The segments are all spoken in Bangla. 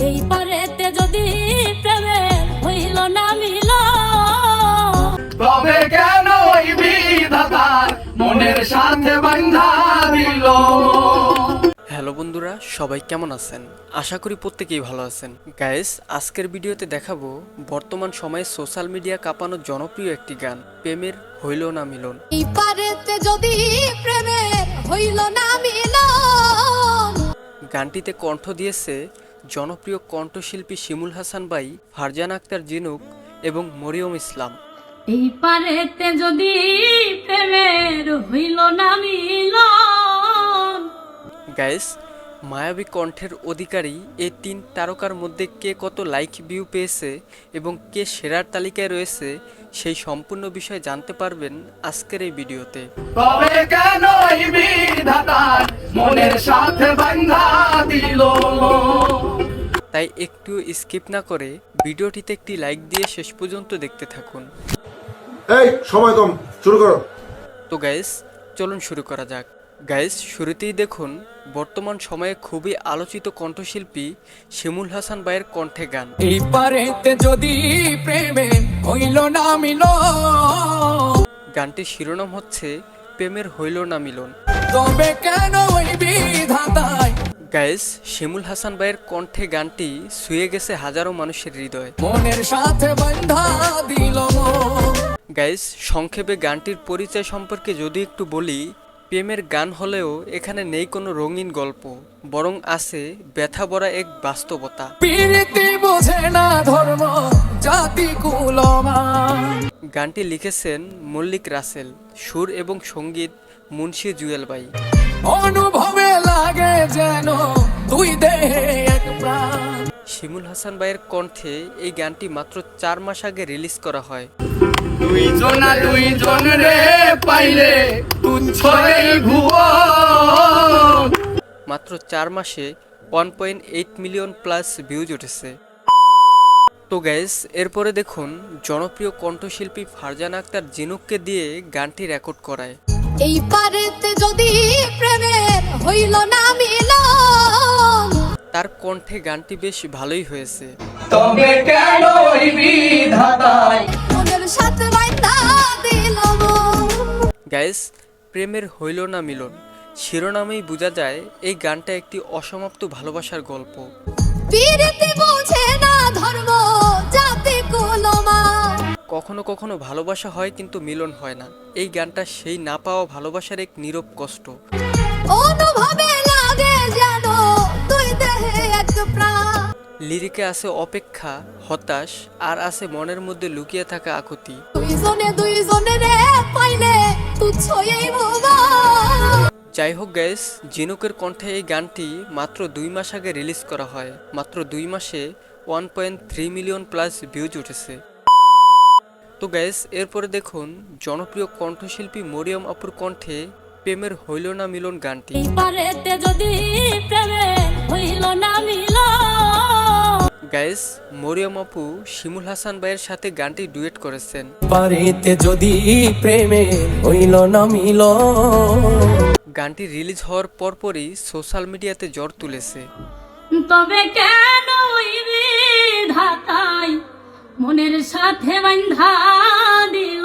এই পারেতে যদি প্রেমের হইল না মিল, তবে কেন ওই বিধাতার মনের সাথে বান্ধা দিল। হ্যালো বন্ধুরা, সবাই কেমন আছেন? আশা করি প্রত্যেকেই ভালো আছেন। গাইস, আজকের ভিডিওতে দেখাবো বর্তমান সময়ে সোশ্যাল মিডিয়া কাঁপানো জনপ্রিয় একটি গান, প্রেমের হইল না মিলন। এই পারেতে যদি প্রেমের হইল না মিল। গানটিতে কণ্ঠ দিয়েছে জনপ্রিয় কণ্ঠশিল্পী শিমুল হাসান ভাই, ফারজানা আক্তার জিনুক এবং মরিয়ম ইসলাম। এই পারেতে যদি প্রেমের হইল না মিল। গাইস, মায়াবী কণ্ঠের অধিকারী এই তিন তারকার মধ্যে কে কত লাইক ভিউ পেয়েছে এবং কে সেরার তালিকায় রয়েছে, সেই সম্পূর্ণ বিষয় জানতে পারবেন আজকের এই ভিডিওতে। তবে কেন ওই বিধাতার মনের সাথে বান্ধা দিল। তাই একটু স্কিপ না করে ভিডিওটিতে একটি লাইক দিয়ে শেষ পর্যন্ত দেখতে থাকুন। এই সময় কম, শুরু করো। তো গাইস, চলুন শুরু করা যাক। গাইস, শুরুতেই দেখুন বর্তমান সময়ে খুবই আলোচিত কণ্ঠশিল্পী শিমুল হাসান ভাইয়ের কণ্ঠে গান। এই পারেতে যদি প্রেমে হইল না মিল, গানটির শিরোনাম হচ্ছে প্রেমের হইল না মিলন। তবে কেন ওই বিধাতায় গাইস, শিমুল হাসান ভাইয়ের কণ্ঠে গানটি ছুঁয়ে গেছে হাজারো মানুষের হৃদয়। মনের সাথে বান্ধা দিল। গাইস, সংক্ষেপে গানটির পরিচয় সম্পর্কে যদি একটু বলি, প্রেমের গান হলেও এখানে নেই কোনো রঙিন গল্প, বরং আছে ব্যথা ভরা এক বাস্তবতা। প্রীতি বোঝে না ধর্ম জাতি কুলমান। গানটি লিখেছেন মল্লিক রাসেল, সুর এবং সঙ্গীত মুন্সি জুয়েল ভাই। অনুভবে লাগে যেন দুই দেহে এক প্রাণ। শিমুল হাসান ভাইয়ের কণ্ঠে এই গানটি মাত্র 4 মাস আগে রিলিজ করা হয়। দুইজন রে পাইলে তুচ্ছ এই ভুবন। মাত্র 4 মাসে 1.8 মিলিয়ন প্লাস ভিউজ উঠেছে। তো গাইস, এরপরে দেখুন জনপ্রিয় কণ্ঠশিল্পী ফারজানা আক্তার জিনুককে দিয়ে গানটি রেকর্ড করায়। এই পারেতে যদি প্রেমের হইল না মিল। তার কণ্ঠে গানটি বেশ ভালোই হয়েছে। তবে কেন ওই বিধাতায় মনের সাথে বান্ধা দিল। গাইস, প্রেমের হইল না মিলন শিরোনামেই বোঝা যায় এই গানটা একটি অসমাপ্ত ভালোবাসার গল্প। প্রীতি বোঝে না ধর্ম জাতি কুলমান। কখনো কখনো ভালোবাসা হয় কিন্তু মিলন হয় না। এই গানটা সেই না পাওয়া ভালোবাসার এক নীরব কষ্ট। অনুভবে লাগে যেন দুই দেহে এক প্রাণ। লিরিকে আছে অপেক্ষা, হতাশ, আর আছে মনের মধ্যে লুকিয়ে থাকা আকুতি। দুইজনে রে পাইলে তুচ্ছ এই ভুবন। যাই হোক গাইস, জিনুকের কণ্ঠে এই গানটি মাত্র 2 মাস আগে রিলিজ করা হয়। মাত্র 2 মাসে 1.3 মিলিয়ন প্লাস ভিউজ উঠেছে। তো গাইস, এরপরে দেখুন জনপ্রিয় কণ্ঠশিল্পী মরিয়ম আপুর কণ্ঠে প্রেমের হইল না মিলন গানটি। এই পারেতে যদি প্রেমের হইল না মিল। গাইস, মরিয়ম আপু শিমুল হাসান ভাইয়ের সাথে গানটি ডুয়েট করেছেন। পারেতে যদি প্রেমে হইল না মিল। গানটি রিলিজ হওয়ার পরপরই সোশ্যাল মিডিয়াতে ঝড় তুলেছে। তবে কেন ওই বিধাতাই মনের সাথে বান্ধা দিল।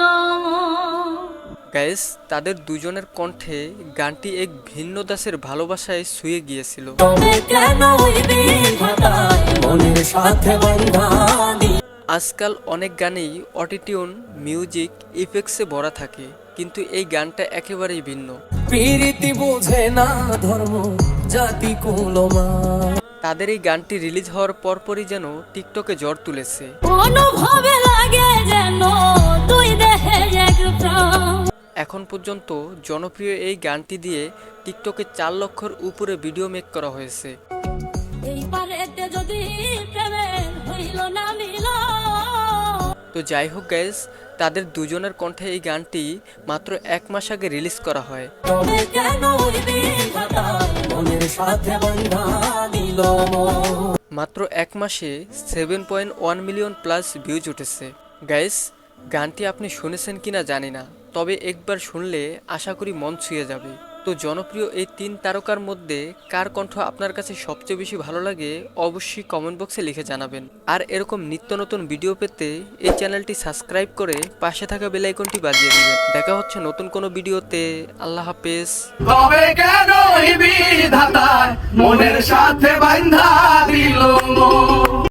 গাইস, তাদের দুজনের কণ্ঠে গানটি এক ভিন্ন দাসের ভালোবাসায় ছুঁয়ে গিয়েছিল। তবে কেন ওই বিধাতাই মনের সাথে বান্ধা দিল। আজকাল অনেক গানেই অটোটিউন, মিউজিক, ইফেক্টসে ভরা থাকে, কিন্তু এই গানটা একেবারেই ভিন্ন। প্রীতি বোঝে না ধর্ম জাতি কুলমান। তাদের এই গানটি রিলিজ হওয়ার পরপরই যেন টিকটকে ঝড় তুলেছে। অনুভবে লাগে যেন দুই দেহে এক প্রাণ। এখন পর্যন্ত জনপ্রিয় এই গানটি দিয়ে টিকটকে 4 লক্ষর উপরে ভিডিও মেক করা হয়েছে। এই পারেতে যদি প্রেমের হইল না মিল। তো যাই হোক গাইস, তাদের দুজনের কণ্ঠে এই গানটি মাত্র 1 মাস আগে রিলিজ করা হয়। তবে কেন ওই বিধাতাই মনের সাথে বান্ধা দিল। মাত্র 1 মাসে 7.1 মিলিয়ন প্লাস ভিউজ উঠেছে। গাইস, গানটি আপনি শুনেছেন কিনা জানি না, তবে একবার শুনলে আশা করি মন ছুঁয়ে যাবে। তো জনপ্রিয় এই 3 তারকার মধ্যে কার কণ্ঠ আপনার কাছে সবচেয়ে বেশি ভালো লাগে অবশ্যই কমেন্ট বক্সে লিখে জানাবেন। আর এরকম নিত্য নতুন ভিডিও পেতে এই চ্যানেলটি সাবস্ক্রাইব করে পাশে থাকা বেল আইকনটি বাজিয়ে দিবেন। দেখা হচ্ছে নতুন কোনো ভিডিওতে। আল্লাহ হাফেজ। তবে কেন বিধাতা মনের সাথে বান্ধা দিল